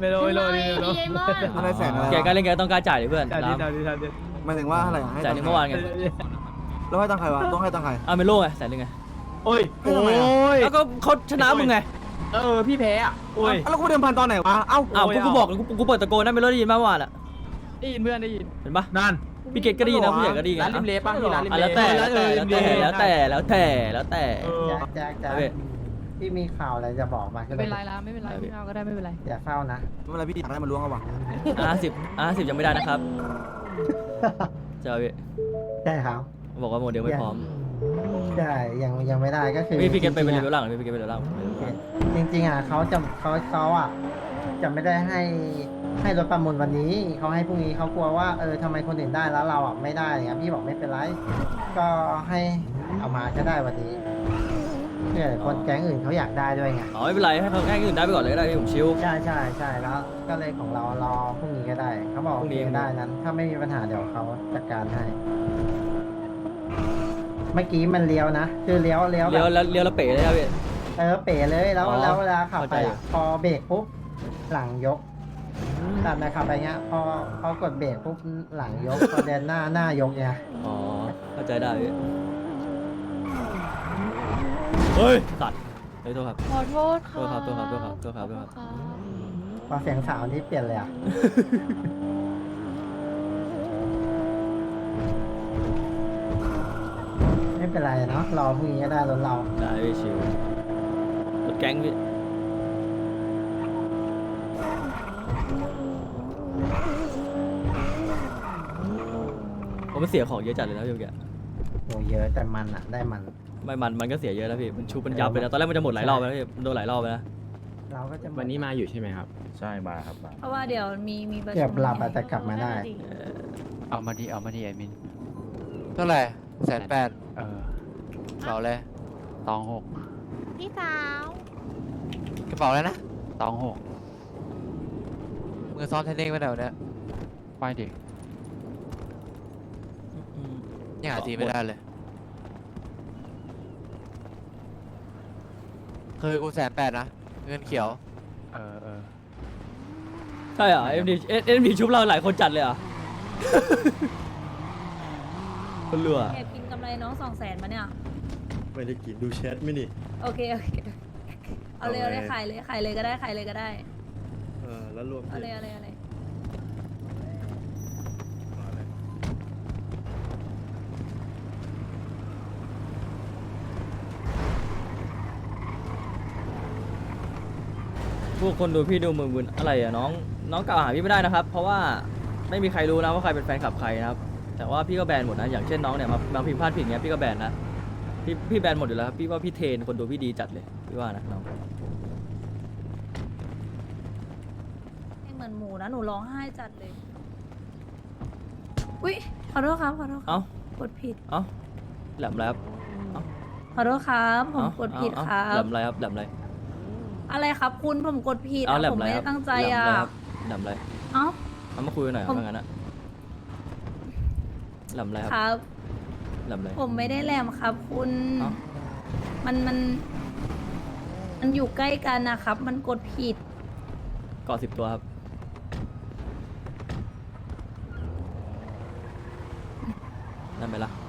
ไม่รู้ไม่รู้พี่ไอมอนอะไรแสนอะไรแกก็เล่นแกต้องกล้าจ่ายดิเพื่อนจ่ายดิจ่ายดิจ่ายดิหมายถึงว่าอะไรให้จ่ายในเมื่อวานไงแล้วให้ตังใครวะต้องให้ตังใครเอาเมโล่ไง100,000ไงโอ้ยให้ทำไมอะแล้วก็เขาชนะมึงไงพี่แพ้อ่ะโอ้ยแล้วกูเดิมพันตอนไหนวะเอ้าอ้าวโอ้ยกูบอกกูเปิดตะโกนนะเมโล่ได้ยินมากว่าอ่ะได้ยินเพื่อนได้ยินเห็นปะนั่นพี่เกดก็ได้ยินนะผู้ใหญ่ก็ได้ยินร้านริมเลป่ะพี่ร้านริมเลแล้วแต่แจ็คพี่มีข่าวอะไรจะบอกมาไม่เป็นไรละไม่เป็นไรพี่เอาก็ได้ไม่เป็นไรอย่าเศร้านะไม่เป็นไรพี่อยากได้มันล้วงเอาวะ 50ยังไม่ได้นะครับเจ้าพี่ใช่ครับบอกว่าโมเดลไม่พร้อมใช่ยังไม่ได้ก็คือพี่เกดไปเป็นจเลริงๆเวลล่างพี่เกดเป็นเลเวลล่างจริงๆอ่ะเขาอ่ะจะไม่ได้ให้รถประมูลวันนี้เขาให้พรุ่งนี้เขากลัวว่าทำไมคนอื่นได้แล้วเราอ่ะไม่ได้อย่างเงี้ยพี่บอกไม่เป็นไรก็ให้เอามาก็ได้วันนี้เพื่อคนแก๊งอื่นเขาอยากได้ด้วยไงอ๋อไม่เป็นไรให้เขาแค่อื่นได้ไปก่อนเลยก็ได้พี่ผมชิลใช่แล้วก็เลยของเรารอพรุ่งนี้ก็ได้เขาบอกพรุ่งนี้โอเคได้นั้น ถ้าไม่มีปัญหาเดี๋ยวเขาจัดการให้ เมื่อกี้มันเลี้ยวนะคือเลี้ยวแบบเลี้ยวแล้วเป๋เลยครับพี่เป๋เลยแล้วอ๋อแล้วเวลาขับไปเข้าใจอ่ะพอเบรกปุ๊บหลังยกตัดนะขับไปเงี้ยพอกดเบรกปุ๊บหลังยกพอเดินหน้ายกเนี่ยอ๋อเข้าใจได้พี่เฮ้ยตัดเฮ้ยโทษครับขอโทษค่ะโทษครับพอเสียงสาวนี่เปลี่ยนเลยอ่ะ ไม่เป็นไรเนาะรอพรุ่งนี้ก็ได้รถเราได้พี่ชิลรถแก๊งพี่ผมมันเสียของเยอะจัดเลยนะพี่เมื่อกี้โหเยอะแต่มันอ่ะได้มันไม่มันก็เสียเยอะแล้วพี่มันชุบมันยับเลยนะตอนแรกมันจะหมดหลายรอบแล้วพี่มันโดนหลายรอบแล้วนะเราก็จะวันนี้มาอยู่ใช่ไหมครับใช่มาครับมาเพราะว่าเดี๋ยวมีประชุมเกือบหลับอาจจะกลับมาได้เอามาดีไอมินเท่าไหร่180,000 เกระเป๋าเลยตองหกพี่สาวกระเป๋าแล้วนะตองหกมือซ้อมเทนนิสไปไหนวะเนี่ยไปดิยังหาทีไม่ได้เลยคือกู180,000นะเงินเขียวเออใช่เหรอเอ็มดีชุบเราหลายคนจัดเลยเหรอ่ะ คนเหลือแอบกินกำไรน้อง200,000มาเนี่ยไม่ได้กินดูแชทไม่นี่โอเคเอาเลยขายเลยก็ได้แล้วรวมเอาเลยพวกคนดูพี่ดูมึนๆอะไรอ่ะน้องกล่าวหาพี่ไม่ได้นะครับ เพราะว่าไม่มีใครรู้นะว่าใครเป็นแฟนคลับใครนะครับ แต่ว่าพี่ก็แบนหมดนะอย่างเช่นน้องเนี่ยมาพิมพ์พลาดผิดเงี้ยพี่ก็แบนนะพี่แบนหมดอยู่แล้วครับพี่ว่าพี่เทรนคนดูพี่ดีจัดเลยพี่ว่านะน้องไม่เหมือนหมูนะหนูร้องไห้จัดเลยอุ๊ยขอโทษครับเอ้ากดผิดเอ้าแหลมอะไรครับขอโทษครับผมกดผิดครัแหลบมอะไรครับแหลมอะไรอะไรครับคุณผมกดผิดเอาแหลมผมอะไรไม่คได้รับตั้งใจแหลมอ่ะอะไรครับแหลมอะไรเอ้าเอามาคุยกันหน่อยครับผมถ้างั้นอะแหลมอะไรครับครับแหลมอะไรผมไม่ได้แหลมครับคุณเอ้ามันอยู่ใกล้กันนะครับ มันกดผิดเกาะ10 ตัวครับนั่นไหมล่ะ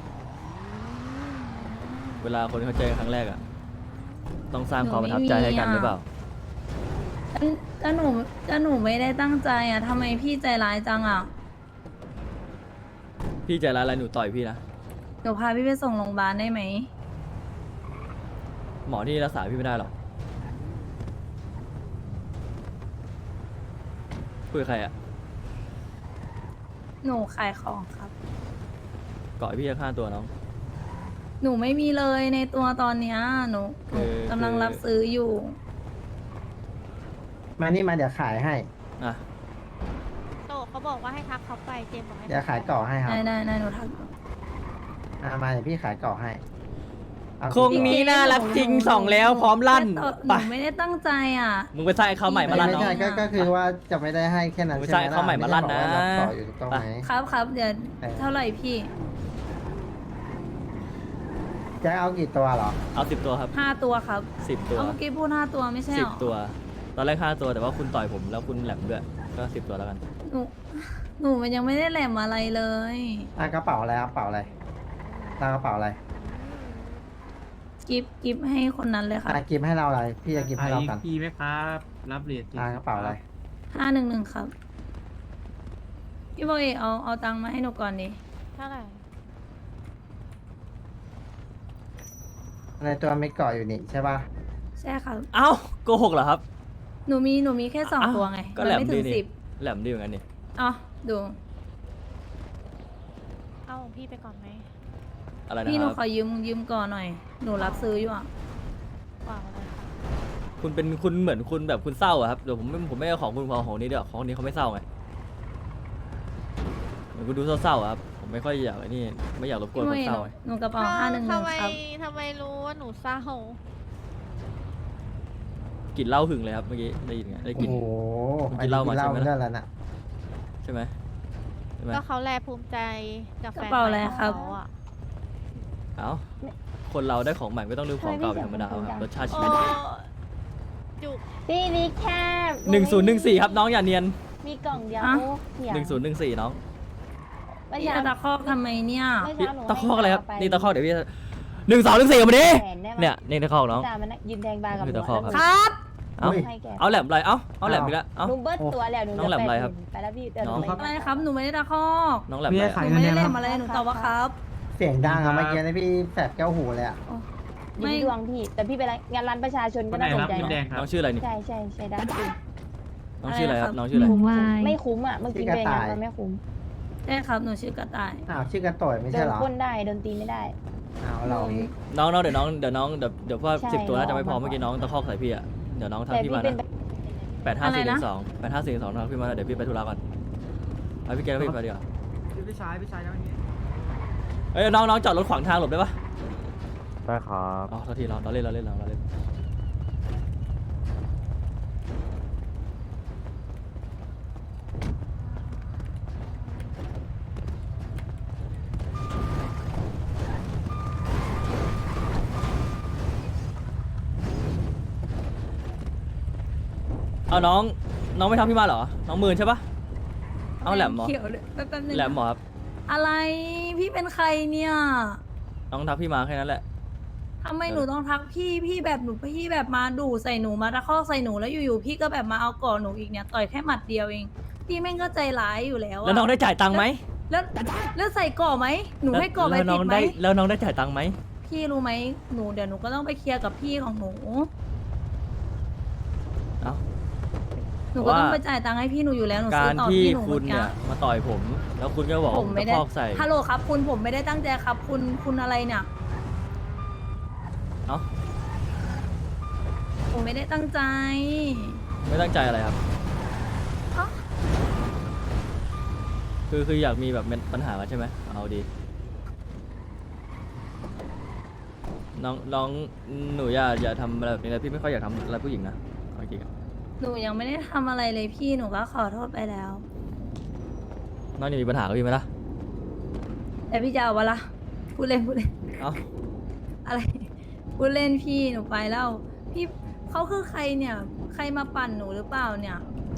เวลาคนเขาเจอกันครั้งแรกอะต้องสร้างความประทับใจให้กันหรือเปล่าก็หนูไม่ได้ตั้งใจอ่ะทำไมพี่ใจร้ายจังอ่ะพี่ใจร้ายอะไรหนูต่อยพี่นะเดี๋ยวพาพี่ไปส่งโรงพยาบาลได้ไหมหมอที่รักษาพี่ไม่ได้หรอกคุยกับใครอะหนูขายของครับเกาะพี่จะฆ่าตัวน้องหนูไม่มีเลยในตัวตอนเนี้ยหนูคือกำลังรับซื้ออยู่มานี่มาเดี๋ยวขายให้อ่ะโตเขาบอกว่าให้ทักเขาไปเจมส์บอกให้เดี๋ยวขายเก่อให้ครับได้หนูทักมาเดี๋ยวพี่ขายเก่อให้เอาคงนี้น่ารักจริง2แล้วพร้อมลั่นหไปนูไม่ได้ตั้งใจอ่ะมึงไปสร้างให้เขาใหม่มาลั่นไม่น้องใช่ก็คือว่าจะไม่ได้ให้แค่นั้นไม่ใช่ใช่ไหมเขาใหม่มาลั่นนะไได้บอกว่ารับต่ออยู่ถูกต้องไหมครับเดี๋ยวเท่าไหร่พี่จะเอากี่ตัวเหรอเอา10 ตัวครับ 5 ตัวครับ 10 ตัวเอาเมื่อกี้พูด5 ตัวไม่ใช่หรอ 10 ตัวตอนแรก5ตัวแต่ว่าคุณต่อยผมแล้วคุณแหลมด้วยก็10ตัวแล้วกันหนูมันยังไม่ได้แหลมอะไรเลยกระเป๋าอะไรครับกระเป๋าอะไรตั้งกระเป๋าอะไรกิฟให้คนนั้นเลยค่ะกิฟให้เราอะไรพี่จะกิฟให้เรากันพี่ไหมครับรับเหรียญกระเป๋าอะไร 511ครับพี่บอกเอกเอาตังค์มาให้หนูก่อนดิเท่าไหร่ในตัวไม่เกาะอยู่นี่ใช่ป่ะใช่ครับเอ้าโกหกเหรอครับหนูมีแค่สองอ้าวตัวไงก็มันแหลมไม่ถึดีงนี่ 10 แหลมดีเหมือนกันนี่อ๋อดูเอาของพี่ไปก่อนไหมอะไรนะพี่หคนูรับขอยืมก่อนหน่อย หนูรับซื้ออยู่อ่ะกว่าเลยค่ะคุณเหมือนคุณแบบคุณเศร้าอะครับเดี๋ยวผมไม่เอาของคุณของนี้เดี๋ยวของนี้เขาไม่เศร้าไงเหมือนคุณดูเศร้าๆอะครับผมไม่ค่อยอยากไอ้นี่ไม่อยากรบกวนพี่คโมนเอเศร้าไงหนูกระเป๋า511 ทำไมครับทำไมรู้ว่าหนูเศร้ากลิ่นเหล้าหึงเลยครับเมื่อกี้ได้ยินไงได้กลิ่นโอ้โหคุณกินเหล้ามาใช่ไหมล่ะเรื่องแล้วน่ะใช่ไหมใช่ไหมก็เขาแลภูมิใจกับแฟนกระเป๋าอะไรใหม่ครับของเขาอะเอ้าคนเราได้ของใหม่ไม่ต้องลืมของเก่าเป็นธรรมดาครับรสชาติชีโอ้วิตจุกพี่นี่แค่ 1014ครับน้องอย่าเนียนมีกล่องเดียวอะเสีย 1014น้องไม่พี่ใช่จะตะคอกทำไมเนี่ยพี่ตะคอกอะไรครับนี่ตะคอกเดี๋ยวพี่1214มาดิเนี่ยนี่ตะคอกน้องจ่ามันยืนแทงบาร์กับหนี่นูตะคอกครับครับเอ้าให้แกเอาแหลมอะไรเอาแหลมอีกแล้วเอ้าหนูเบิ้ลตัวแล้วหนูน้องแหลมอะไรครับไปแล้วพี่เดินน้องไปอะไรครับ หนูไม่ได้ตะคอกน้องแหลมอะไรหนูไม่ได้แหลมอะไร หนูตอบว่าครับเสียงดังอะเมื่อกี้นะพี่แสบแก้วหูเลยอะอยู่ที่ดวงพี่ แต่พี่ไปงานร้านประชาชนก็น่าสนใจนะน้องชื่ออะไรนี่ใช่ได้จริงน้องชื่ออะไรครับน้องชื่ออะไรไม่คุ้มอ่ะเมื่อกี้ไปงานมันไม่คุ้มใช่ครับ หนูชื่อกระต่ายอ้าวชื่อกระต่อยไม่โดใช่นเหรอพ่นได้โดนตีไม่ได้อ้าวเราอีกน้องเดี๋ยวเพราะว่าใช่ 10ตัวน่าจะไม่พอน้องเมื่อกี้น้องตะคอกใส่พี่อะเดี๋ยวน้องแต่ทำพี่พี่มาเป็นนะ8542ทำพี่มาแล้วเดี๋ยวพี่ไปธุระก่อนไปพี่แกแล้วพี่ไปดีกว่าพี่ชายแล้วนี้เอ้ยน้องจอดรถขวางทางหลบได้ปะได้ครับอ๋อโทษทีเราเล่นเอาน้องไม่ทำพี่มาเหรอน้องมืนใช่ปะเอาแหลมเหรอเขียวเลยแป๊บนึงแหลมเหรอครับอะไร พี่เป็นใครเนี่ยน้องทักพี่มาแค่นั้นแหละทำไมหนูต้องทักพี่แบบหนูพี่แบบมาดูใส่หนูมาตะคอกใส่หนูแล้วอยู่ๆพี่ก็แบบมาเอาก่อหนูอีกเนี่ยต่อยแค่หมัดเดียวเอง พี่แม่งก็ใจร้ายอยู่แล้วะแล้วน้องได้จ่ายตังค์ไหมแล้วใส่ก่อไหมหนูให้ก่อไปแล้วน้ผิองดไหมได้แล้วน้องได้จ่ายตังค์ไหมพี่รู้ไหมเดี๋ยวหนูก็ต้องไปเคลียร์กับพี่ของหนูเอ้าหนูก็ต้องไปจ่ายตังค์ให้พี่หนูอยู่แล้วหนูซื้กาอรต่อที่พี่หนูคุณเมื่อกี้เนี่ยมาต่อยผม แล้วคุณก็บอกผมไม่ตะได้คอกใส่ฮัลโหลครับคุณผมไม่ได้ตั้งใจครับ คุณอะไรเนี่ยเอ้าผมไม่ได้ตั้งใจไม่ตั้งใจอะไรครับเอ้าคืออยากมีแบบปัญหากันใช่ไหมเอาดีน้องหนูอย่าทำอะไรแบบนี้เลยพี่ไม่ค่อยอยากทำอะไรผู้หญิงนะเอาจริงๆอะหนูยังไม่ได้ทำอะไรเลยพี่หนูก็ขอโทษไปแล้วน้องยังมีปัญหากับพี่ไหมล่ะแต่พี่จะเอาวะล่ะพูดเล่นเอ้าอะไรพูดเล่นพี่หนูไปแล้วพี่เขาคือใครเนี่ย ใครมาปั่นหนูหรือเปล่าเนี่ย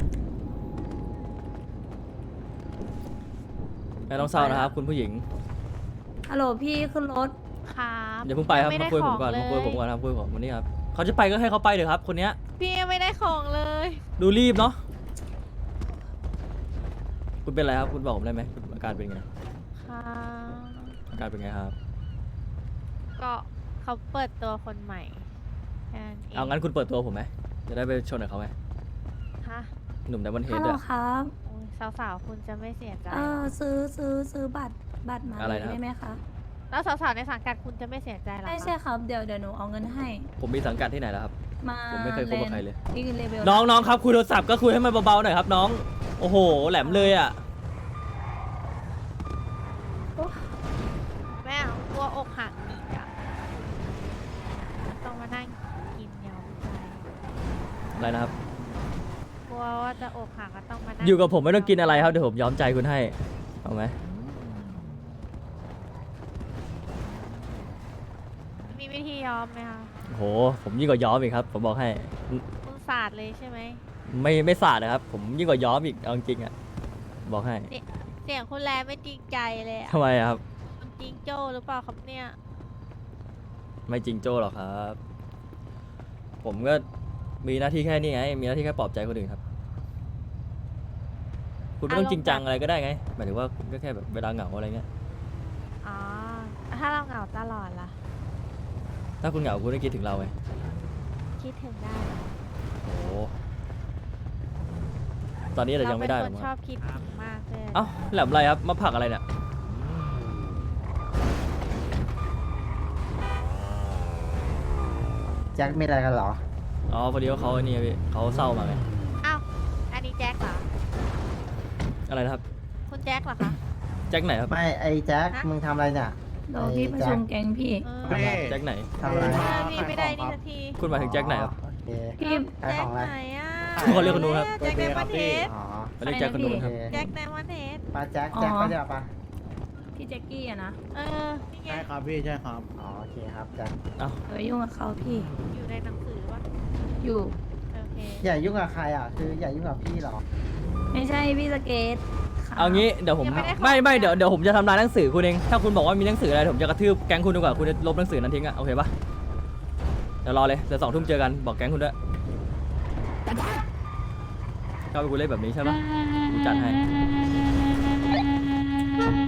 ไม่ต้องเศร้านะครับคุณผู้หญิงฮัลโหลพี่ขึ้นรถครับอย่าเพิ่งไปครับไม่มาได้คุยขผอมงก่อนเลมาคุยผมก่อนครับคุยผมวันนี้ครับเขาจะไปก็ให้เขาไปเลยครับคนเนี้ยพี่ยังไม่ได้ของเลยดูรีบเนาะคุณเป็นอะไรครับคุณบอกผมได้ไหมคุณอาการเป็นไงค่ะอาการเป็นไงครับก็เขาเปิดตัวคนใหม่แค่นั้นเองเอางั้นคุณเปิดตัวผมไหมจะได้ไปชนกับเขาไหมฮะหนุ่มไดมอนด์เฮฮัดลโหลอะครับโอ้ยสาวๆคุณจะไม่เสียใจซื้อบัตรมาอะไรเลยนะครับได้ไหมคะแล้วสาวๆในสังกัดคุณจะไม่เสียใจหรอใช่คะใช่ครับเดี๋ยวหนูเอาเงินให้ผมมีสังกัดที่ไหนแล้วครับมาผมไม่เคยคบกับใครเลยที่เลเวลน้องครับคุยโทรศัพท์ก็คุยให้มันเบาๆหน่อยครับน้องโอ้โหแหลมเลยอ่ะแม่เอากลัวอกหักอีกอะต้องมานั่งกินยาใจอะไรนะครับกลัวว่าจะอกหักก็ต้องมานั่งอยู่กับผมไม่ต้องกินอะไรครับเดี๋ยวผมย้อมใจคุณให้เอาไหมมีวิธียอมไหมคะโอ้โหผมยิ่งกว่าย้อมอีกครับผมบอกให้คุณสาดเลยใช่ไหมไม่สาดนะครับ ผมยิ่งกว่าย้อมอีกเอาจริงๆอ่ะบอกให้เสียงคุณแลไม่จริงใจเลยอะทำไมอะครับคุณจริงโจ้หรือเปล่าครับเนี่ยไม่จริงโจ้หรอกครับ ผมก็มีหน้าที่แค่นี้ไง มีหน้าที่แค่ปลอบใจคนอื่นครับ คุณไม่ต้องจริงจังอะไรก็ได้ไง หมายถึงว่าคุณก็แค่แบบเวลาเหงาอะไรเงี้ยอ๋อ ถ้าเราเหงาตลอดล่ะถ้าคุณเหงาคุณต้องคิดถึงเราไงคิดถึงได้โอ้โหตอนนี้เรายังไม่ได้หรเราอกเป็นคนชอบคิดถึงมากเลยเอ้าแหลมอะไรครับ มาผลักอะไรเนี่ยแจ็คมีอะไรกันเหรออ๋อพอดีว่าเขาไอ้นี่พี่เขาเศร้ามาไงอ้าว อันนี้แจ็คเหรออะไรนะครับคุณแจ็คเหรอคะแจ็คไหนครับไม่ไอ้แจ็คฮะมึงทำอะไรเนี่ยรอพี่ประชุมแก๊งพี่เออทำอะไรแจ็คไหนทำอะไรพี่ไม่ได้นี่สักทีคุณหมายถึงแจ็คไหนครับโอเคพี่ขายแจ็ขคองอะไรไหนอ่ะเขาเรียกคนนู้นครับแจ็คไดมอนด์เฮดอ๋อเขาเรียกแจ็คคนนู้นครับโอเคแจ็คไดมอนด์เฮดปาแจ็คแจ็คไปเดี๋ยวปะพี่แจ็คกี้อะนะเออ นี่ไงใช่ครับพี่ใช่ครับอ๋อโอเคครับแจ็คอย่ายุ่งกับเขาพี่อยู่ในหนังสือวะอยู่โอเคอย่ายุ่งกับใครอ่ะ คืออย่ายุ่งกับพี่เหรอไม่ใช่พี่สเกตค่ะเอางี้เดี๋ยวผมยังไม่ได้ของไม่เดี๋ยวผมจะทำลายหนังสือคุณเอง ถ้าคุณบอกว่ามีหนังสืออะไรผมจะกระทืบแก๊งคุณดีกว่าคุณจะลบหนังสือนั้นทิ้งอะโอเคปะเดี๋ยวรอเลยเดี๋ยว2 ทุ่มเจอกันบอกแก๊งคุณด้วยก็ไปคุณเล่นแบบนี้ใช่ปะผมจัดให้